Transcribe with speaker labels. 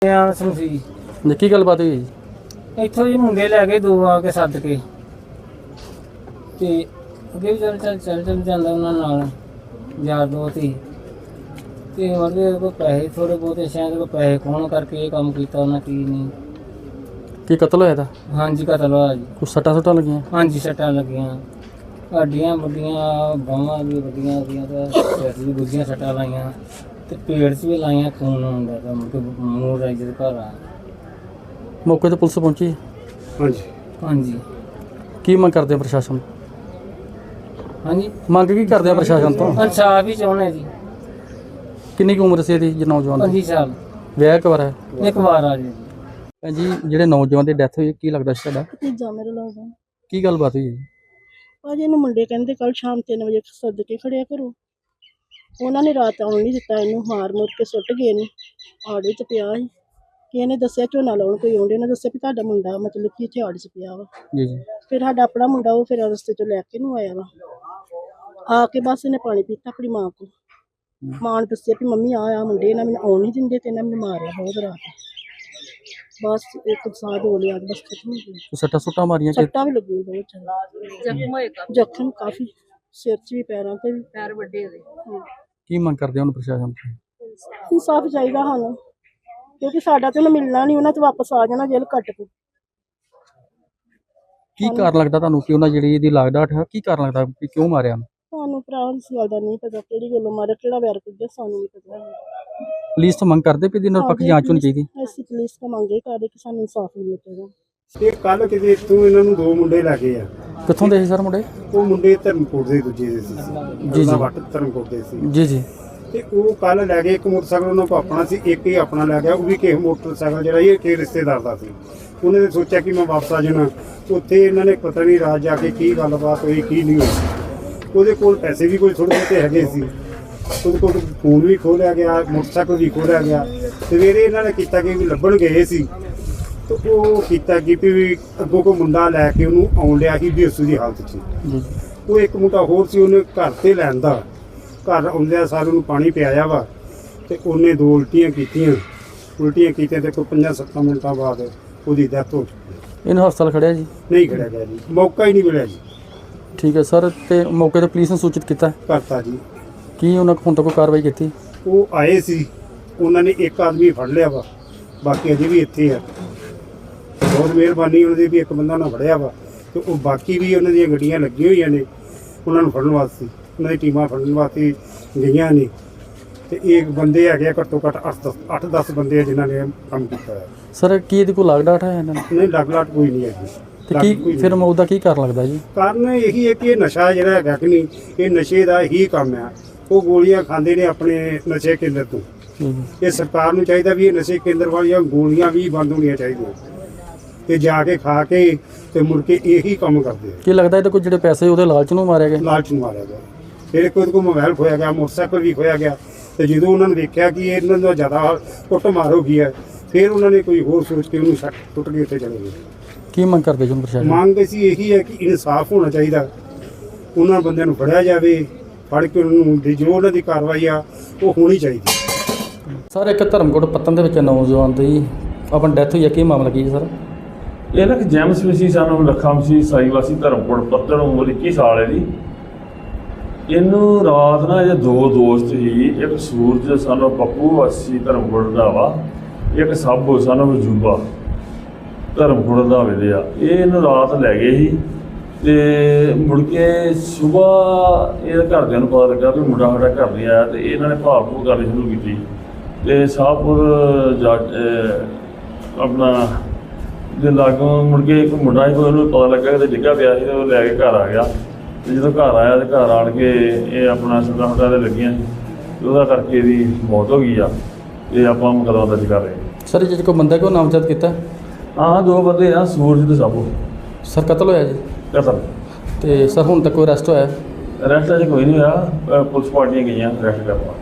Speaker 1: ਸਮਝੀ
Speaker 2: ਜੀ ਕੀ ਗੱਲਬਾਤ ਹੋਈ ਜੀ?
Speaker 1: ਇੱਥੋਂ ਜੀ ਮੁੰਡੇ ਲੈ ਕੇ ਦੋ ਆ ਕੇ ਸੱਦ ਕੇ ਤੇ ਅੱਗੇ ਵੀ ਚੱਲ ਜਾਂਦਾ ਉਹਨਾਂ ਨਾਲ ਯਾਰ ਦੋਸਤ ਹੀ ਤੇ ਉਹਦੇ ਕੋਲ ਪੈਸੇ ਥੋੜੇ ਬਹੁਤੇ ਸ਼ਾਇਦ ਕੋਈ ਪੈਸੇ ਖੋਣ ਕਰਕੇ ਇਹ ਕੰਮ ਕੀਤਾ ਉਹਨਾਂ ਕੀ ਨਹੀਂ।
Speaker 2: ਕੀ ਕਤਲ ਹੋਇਆ ਇਹਦਾ?
Speaker 1: ਹਾਂਜੀ ਕਤਲ ਹੋਇਆ ਜੀ।
Speaker 2: ਕੁਛ ਸੱਟਾਂ ਲੱਗੀਆਂ?
Speaker 1: ਹਾਂਜੀ ਸੱਟਾਂ ਲੱਗੀਆਂ, ਹੱਡੀਆਂ ਵੱਡੀਆਂ, ਬਾਹਾਂ ਵੀ ਵੱਡੀਆਂ ਉਹਦੀਆਂ ਤੇ ਸਿਰ ਵੀ ਦੂਜੀਆਂ ਸੱਟਾਂ ਲਾਈਆਂ ਤੇ ਪੇਟ 'ਚ ਵੀ ਲਾਈਆਂ, ਖੂਨ ਆਉਂਦਾ ਤਾਂ ਮੂੰਹ ਰਾਈ ਦੇ ਘਰ ਆ।
Speaker 2: ਮੌਕੇ ਤੇ ਪੁਲਿਸ ਪਹੁੰਚੀ?
Speaker 3: ਹਾਂਜੀ
Speaker 1: ਹਾਂਜੀ
Speaker 2: ਕੀ ਮੰਗ ਕਰਦੇ ਆ ਪ੍ਰਸ਼ਾਸਨ?
Speaker 1: ਹਾਂਜੀ
Speaker 2: ਮੰਗ ਕੀ ਕਰਦੇ ਆ ਪ੍ਰਸ਼ਾਸਨ ਤੋਂ?
Speaker 1: ਇਨਸਾਫ ਹੀ ਚਾਹੁੰਦੇ ਜੀ।
Speaker 2: ਕਿੰਨੀ ਕੁ ਉਮਰ ਸੀ ਇਹਦੀ ਜੀ ਨੌਜਵਾਨ ਦੀ?
Speaker 1: 25 ਸਾਲ
Speaker 2: ਵਿਆਹ ਕਵਰ ਹੈ?
Speaker 1: ਇੱਕ ਵਾਰ ਆ ਜੀ।
Speaker 2: ਭੈਣ ਜੀ ਜਿਹੜੇ ਨੌਜਵਾਨ ਦੀ ਡੈਥ ਹੋਈ ਕੀ ਲੱਗਦਾ ਸੀ ਤੁਹਾਡਾ?
Speaker 4: ਭਤੀਜਾ ਮੇਰੇ ਲੱਗਦਾ।
Speaker 2: ਕੀ ਗੱਲਬਾਤ ਹੋਈ ਜੀ?
Speaker 4: ਭਾਜੀ ਇਹਨੂੰ ਮੁੰਡੇ ਕਹਿੰਦੇ ਕੱਲ ਸ਼ਾਮ 3 ਵਜੇ ਸੱਦ ਕੇ ਖੜਿਆ ਕਰੋ। ਉਹਨਾਂ ਨੇ ਰਾਤ ਆਉਣ ਨਹੀਂ ਦਿੱਤਾ, ਇਹਨੂੰ ਮਾਰ ਮੁੱਕ ਕੇ ਸੁੱਟ ਗਏ ਨੇ। ਆੜੇ 'ਚ ਪਿਆ ਸੀ ਕਿ ਇਹਨੇ ਦੱਸਿਆ ਝੋਨਾ ਲਾਉਣ ਕੋਈ ਆਉਂਦੇ, ਉਹਨੇ ਦੱਸਿਆ ਵੀ ਤੁਹਾਡਾ ਮੁੰਡਾ ਮਤਲਬ ਕਿ ਇੱਥੇ ਆੜੇ 'ਚ ਪਿਆ ਵਾ।
Speaker 2: ਜੀ ਜੀ।
Speaker 4: ਫਿਰ ਸਾਡਾ ਆਪਣਾ ਮੁੰਡਾ ਉਹ ਫਿਰ ਰਸਤੇ 'ਚੋਂ ਲੈ ਕੇ ਨੂੰ ਆਇਆ ਵਾ। ਆ ਕੇ ਬਸ ਇਹਨੇ ਪਾਣੀ ਪੀਤਾ ਆਪਣੀ ਮਾਂ ਕੋਲ। ਮਾਂ ਨੇ ਦੱਸਿਆ ਵੀ ਮੰਮੀ ਆ ਮੁੰਡੇ ਇਹਨਾਂ ਮੈਨੂੰ ਆਉਣ ਨਹੀਂ ਦਿੰਦੇ ਤੇ ਇਹਨਾਂ ਮੈਨੂੰ ਮਾਰਿਆ ਬਹੁਤ ਰਾਤ। ਬਸ ਇੱਕ ਸਾਹ ਹੋ ਲਿਆ ਬਸ ਖਤਮ ਹੋ ਗਿਆ।
Speaker 2: ਸੱਟਾਂ ਸੁੱਟਾਂ ਮਾਰੀਆਂ ਕਿ?
Speaker 4: ਸੱਟਾਂ ਵੀ ਲੱਗੀਆਂ ਬਹੁਤ ਜ਼ਿਆਦਾ, ਜ਼ਖਮ ਕਾਫੀ ਸਿਰ 'ਚ ਵੀ, ਪੈਰਾਂ 'ਤੇ ਵੀ, ਪੈਰ ਵੱਡੇ ਹੋਏ।
Speaker 2: ਕੀ ਮੰਗ ਕਰਦੇ ਹੁਣ ਪ੍ਰਸ਼ਾਸਨ ਤੋਂ?
Speaker 4: ਇਨਸਾਫ ਚਾਹੀਦਾ ਸਾਨੂੰ, ਕਿਉਂਕਿ ਸਾਡਾ ਤੇ ਉਹਨੂੰ ਮਿਲਣਾ ਨਹੀਂ, ਉਹਨਾਂ ਤੇ ਵਾਪਸ ਆ ਜਾਣਾ ਜੇਲ੍ਹ ਕੱਟ ਕੇ।
Speaker 2: ਕੀ ਕਾਰਨ ਲੱਗਦਾ ਤੁਹਾਨੂੰ ਕਿ ਉਹਨਾਂ ਜਿਹੜੀ ਇਹਦੀ ਲਾਗਡਾਟ ਹੈ, ਕੀ ਕਾਰਨ ਲੱਗਦਾ ਕਿ ਕਿਉਂ ਮਾਰਿਆ?
Speaker 4: ਸਾਨੂੰ ਭਰਾ ਇਸ ਗੱਲ ਦਾ ਨਹੀਂ ਪਤਾ ਕਿਹੜੀ ਗੱਲੋਂ ਮਾਰਿਆ, ਕਿਹੜਾ ਵੈਰ ਕੱਢਿਆ, ਸਾਨੂੰ ਨਹੀਂ ਪਤਾ।
Speaker 2: ਪੁਲਿਸ ਤੋਂ ਮੰਗ ਕਰਦੇ ਵੀ ਇਹਦੀ ਨਿਰਪੱਖ ਜਾਂਚ ਹੋਣੀ ਚਾਹੀਦੀ?
Speaker 4: ਅਸੀਂ ਪੁਲਿਸ ਤੋਂ ਮੰਗੇ ਕਰਦੇ ਕਿ ਸਾਨੂੰ ਇਨਸਾਫ ਮਿਲੇ ਚਾਹੀਦਾ।
Speaker 3: ਇਹ ਕੱਲ ਕਿਤੇ ਇੱਥੋਂ ਇਹਨਾਂ ਨੂੰ ਦੋ ਮੁੰਡੇ ਲੈ ਗਏ ਆ।
Speaker 2: ਕਿੱਥੋਂ ਦੇ ਸੀ ਸਰ ਮੁੰਡੇ?
Speaker 3: ਉਹ ਮੁੰਡੇ ਧਰਮਕੋਟ ਦੇ ਦੂਜੇ ਦੇ ਸੀ
Speaker 2: ਜੀ ਜੀ।
Speaker 3: ਵੱਟ ਧਰਮਕੋਟ ਦੇ ਸੀ
Speaker 2: ਜੀ ਜੀ।
Speaker 3: ਤੇ ਉਹ ਕੱਲ ਲੈ ਗਏ। ਇੱਕ ਮੋਟਰਸਾਈਕਲ ਉਹਨਾਂ ਕੋਲ ਆਪਣਾ ਸੀ, ਇੱਕ ਹੀ ਆਪਣਾ ਲੈ ਗਿਆ। ਉਹ ਵੀ ਕਿਸੇ ਮੋਟਰਸਾਈਕਲ ਜਿਹੜਾ ਇਹ ਕਿਸੇ ਰਿਸ਼ਤੇਦਾਰ ਦਾ ਸੀ। ਉਹਨੇ ਤਾਂ ਸੋਚਿਆ ਕਿ ਮੈਂ ਵਾਪਸ ਆ ਜਾਣਾ। ਉੱਥੇ ਇਹਨਾਂ ਨੇ ਪਤਾ ਨਹੀਂ ਰਾਤ ਜਾ ਕੇ ਕੀ ਗੱਲਬਾਤ ਹੋਈ ਕੀ ਨਹੀਂ ਹੋਈ। ਉਹਦੇ ਕੋਲ ਪੈਸੇ ਵੀ ਕੋਈ ਥੋੜ੍ਹੇ ਬਹੁਤੇ ਹੈਗੇ ਸੀ। ਉਹਦੇ ਕੋਲ ਫੋਨ ਵੀ ਖੋਹ ਲਿਆ ਗਿਆ, ਮੋਟਰਸਾਈਕਲ ਵੀ ਖੋਹ ਲਿਆ ਗਿਆ। ਸਵੇਰੇ ਇਹਨਾਂ ਨੇ ਕੀਤਾ ਕਿ ਵੀ ਲੱਭਣ ਗਏ ਸੀ ਤੇ ਉਹ ਕੀਤਾ ਕਿ ਵੀ ਅੱਗੋਂ ਕੋਈ ਮੁੰਡਾ ਲੈ ਕੇ ਉਹਨੂੰ ਆਉਣ ਲਿਆ ਸੀ ਬੇਹੋਸ਼ੀ ਦੀ ਹਾਲਤ 'ਚ। ਉਹ ਇੱਕ ਮੁੰਡਾ ਹੋਰ ਸੀ, ਉਹਨੇ ਘਰ ਤੇ ਲੈਣ ਦਾ ਘਰ ਆਉਂਦਿਆਂ ਸਾਰ ਨੂੰ ਪਾਣੀ ਪਿਆਇਆ ਵਾ ਤੇ ਉਹਨੇ ਦੋ ਉਲਟੀਆਂ ਕੀਤੀਆਂ ਤੇ ਕੋਈ 5-7 ਮਿੰਟਾਂ ਬਾਅਦ ਉਹਦੀ ਡੈਥ ਹੋ ਚੁੱਕੀ।
Speaker 2: ਇਹਨੂੰ ਹਸਪਤਾਲ ਖੜਿਆ ਜੀ?
Speaker 3: ਨਹੀਂ ਖੜਿਆ ਗਿਆ ਜੀ, ਮੌਕਾ ਹੀ ਨਹੀਂ ਮਿਲਿਆ ਜੀ।
Speaker 2: ਠੀਕ ਹੈ ਸਰ। ਤੇ ਮੌਕੇ ਤੇ ਪੁਲਿਸ ਨੂੰ ਸੂਚਿਤ ਕੀਤਾ?
Speaker 3: ਕਰਤਾ ਜੀ।
Speaker 2: ਕੀ ਉਹਨਾਂ ਕੋਲ ਹੁਣ ਤੱਕ ਕੋਈ ਕਾਰਵਾਈ ਕੀਤੀ?
Speaker 3: ਉਹ ਆਏ ਸੀ, ਉਹਨਾਂ ਨੇ ਇੱਕ ਆਦਮੀ ਫੜ ਲਿਆ ਵਾ, ਬਾਕੀ ਅਜੇ ਵੀ ਇੱਥੇ ਆ। ਬਹੁਤ ਮਿਹਰਬਾਨੀ ਉਹਨਾਂ ਦੀ ਵੀ ਇੱਕ ਬੰਦਾ ਉਹਨਾਂ ਫੜਿਆ ਵਾ ਤੇ ਉਹ ਬਾਕੀ ਵੀ ਉਹਨਾਂ ਦੀਆਂ ਗੱਡੀਆਂ ਲੱਗੀਆਂ ਹੋਈਆਂ ਨੇ ਉਹਨਾਂ ਨੂੰ ਫੜਨ ਵਾਸਤੇ। ਉਹਨਾਂ ਦੀ ਟੀਮਾਂ ਫੜਨ ਵਾਸਤੇ ਗਈਆਂ ਨੇ ਤੇ ਇਹ ਬੰਦੇ ਹੈਗੇ ਆ ਘੱਟੋ ਘੱਟ 8-10 ਬੰਦੇ ਆ ਜਿਨ੍ਹਾਂ ਨੇ ਕੰਮ ਕੀਤਾ ਹੈ।
Speaker 2: ਸਰ ਕੀ ਇਹਦੀ ਕੋਈ ਲਾਗਡਾਟ ਹੈ ਇਹਨਾਂ ਨੂੰ?
Speaker 3: ਨਹੀਂ ਲਾਟ ਕੋਈ ਨਹੀਂ ਹੈਗੀ।
Speaker 2: ਤੇ ਕੀ ਫਿਰ ਮੌਤ ਦਾ ਕੀ ਕਾਰਨ ਲੱਗਦਾ ਜੀ?
Speaker 3: ਕਾਰਨ ਇਹੀ ਹੈ ਕਿ ਇਹ ਨਸ਼ਾ ਜਿਹੜਾ ਹੈਗਾ ਕਿ ਨਹੀਂ, ਇਹ ਨਸ਼ੇ ਦਾ ਹੀ ਕੰਮ ਆ। ਉਹ ਗੋਲੀਆਂ ਖਾਂਦੇ ਨੇ ਆਪਣੇ ਨਸ਼ੇ ਕੇਂਦਰ ਤੋਂ। ਇਹ ਸਰਕਾਰ ਨੂੰ ਚਾਹੀਦਾ ਵੀ ਇਹ ਨਸ਼ੇ ਕੇਂਦਰ ਵਾਲੀਆਂ ਗੋਲੀਆਂ ਵੀ ਬੰਦ ਹੋਣੀਆਂ ਚਾਹੀਦੀਆਂ ਤੇ ਜਾ ਕੇ ਖਾ ਕੇ ਤੇ ਮੁੜ ਕੇ ਇਹੀ ਕੰਮ ਕਰਦੇ ਆ। ਕੀ
Speaker 2: ਲੱਗਦਾ ਇਹਦੇ ਕੋਲ ਜਿਹੜੇ ਪੈਸੇ ਉਹਦੇ ਲਾਲਚ ਨੂੰ ਮਾਰਿਆ ਗਿਆ?
Speaker 3: ਲਾਲਚ ਨੂੰ ਮਾਰਿਆ ਗਿਆ। ਫਿਰ ਕੋਈ ਮੋਬਾਈਲ ਖੋਇਆ ਗਿਆ, ਮੋਟਰਸਾਈਕਲ ਵੀ ਖੋਇਆ ਗਿਆ ਤੇ ਜਦੋਂ ਉਹਨਾਂ ਨੇ ਦੇਖਿਆ ਕਿ ਇਹਨਾਂ ਦਾ ਜ਼ਿਆਦਾ ਕੁੱਟ ਮਾਰ ਹੋ ਗਈ ਹੈ ਫਿਰ ਉਹਨਾਂ ਨੇ ਕੋਈ ਹੋਰ ਸੋਚ ਕੇ ਉਹਨੂੰ ਛੱਡ ਟੁੱਟ ਕੇ ਉੱਥੇ ਚਲੇ ਗਏ।
Speaker 2: ਕੀ ਮੰਗ ਕਰਦੇ ਜੀ ਪ੍ਰਸ਼ਾਸਨ?
Speaker 3: ਮੰਗ ਅਸੀਂ ਇਹੀ ਹੈ ਕਿ ਇਨਸਾਫ ਹੋਣਾ ਚਾਹੀਦਾ, ਉਹਨਾਂ ਬੰਦਿਆਂ ਨੂੰ ਫੜਿਆ ਜਾਵੇ, ਫੜ ਕੇ ਉਹਨਾਂ ਨੂੰ ਜੋ ਉਹਨਾਂ ਦੀ ਕਾਰਵਾਈ ਆ ਉਹ ਹੋਣੀ ਚਾਹੀਦੀ।
Speaker 2: ਸਰ ਇੱਕ ਧਰਮਕੋਟ ਪੱਤਨ ਦੇ ਵਿੱਚ ਨੌਜਵਾਨ ਦੀ ਆਪਣੀ ਡੈਥ ਹੋਈ ਹੈ, ਕੀ ਮਾਮਲਾ ਕੀ ਹੈ ਸਰ?
Speaker 5: ਇਹ ਨਾ ਕਿ ਜੈਮਸ ਵਿਸੀ ਸਾਨੂੰ ਲੱਖਾਂ ਵਿਸੀ ਸਾਈਵਾਸੀ ਧਰਮਕੋਟ ਪੱਤਨ, ਉਮਰ 21 ਸਾਲ ਹੈ ਜੀ। ਇਹਨੂੰ ਰਾਤ ਨਾ ਇਹਦੇ ਦੋ ਦੋਸਤ ਸੀ, ਇੱਕ ਸੂਰਜ ਸਾਨੂੰ ਪੱਪੂ ਵਾਸੀ ਧਰਮਕੋਟ ਦਾ ਵਾ, ਇੱਕ ਸਾਬੋ ਸਾਨੂੰ ਵਜੂਬਾ ਧਰਮਕੋਟ ਦਾ ਵੇਲੇ ਆ। ਇਹ ਇਹਨੂੰ ਰਾਤ ਲੈ ਗਏ ਸੀ ਤੇ ਮੁੜ ਕੇ ਸੁਬਾਹ ਇਹ ਘਰਦਿਆਂ ਨੂੰ ਪਤਾ ਲੱਗਾ ਵੀ ਮੁੰਡਾ ਸਾਡਾ ਘਰ ਨਹੀਂ ਆਇਆ ਤੇ ਇਹਨਾਂ ਨੇ ਭਾਲ ਭੂਲ ਕਰਨੀ ਸ਼ੁਰੂ ਕੀਤੀ ਤੇ ਸ਼ਾਹਪੁਰ ਜਾ ਆਪਣਾ ਦੇ ਲਾਗੋਂ ਮੁੜ ਕੇ ਇੱਕ ਮੁੰਡਾ ਸੀ, ਉਹਨੂੰ ਪਤਾ ਲੱਗਾ ਕਿ ਡਿੱਗਾ ਪਿਆ ਸੀ ਤੇ ਉਹ ਲੈ ਕੇ ਘਰ ਆ ਗਿਆ। ਤੇ ਜਦੋਂ ਘਰ ਆਇਆ ਤੇ ਘਰ ਆਣ ਕੇ ਇਹ ਆਪਣਾ ਸੱਟਾਂ ਦੇ ਲੱਗੀਆਂ ਸੀ, ਉਹਦਾ ਕਰਕੇ ਇਹਦੀ ਮੌਤ ਹੋ ਗਈ ਆ। ਇਹ ਆਪਾਂ ਮੁਕੱਦਮਾ ਦਰਜ ਕਰ ਰਹੇ ਹਾਂ।
Speaker 2: ਸਰ ਜਿਹੜੇ ਕੋਈ ਬੰਦਾ ਕਿਉਂ ਨਾਮਜ਼ਦ ਕੀਤਾ?
Speaker 5: ਹਾਂ ਦੋ ਬੰਦੇ ਆ, ਸੂਰਜ ਤੇ ਸਾਬੋ।
Speaker 2: ਸਰ ਕਤਲ ਹੋਇਆ ਜੀ?
Speaker 5: ਕਤਲ।
Speaker 2: ਤੇ ਸਰ ਹੁਣ ਤੱਕ ਕੋਈ ਅਰੈਸਟ ਹੋਇਆ?
Speaker 5: ਅਰੈਸਟ ਅਜੇ ਕੋਈ ਨਹੀਂ ਹੋਇਆ, ਪੁਲਿਸ ਪਾਰਟੀਆਂ ਗਈਆਂ ਅਰੈਸਟ ਕਰਨ।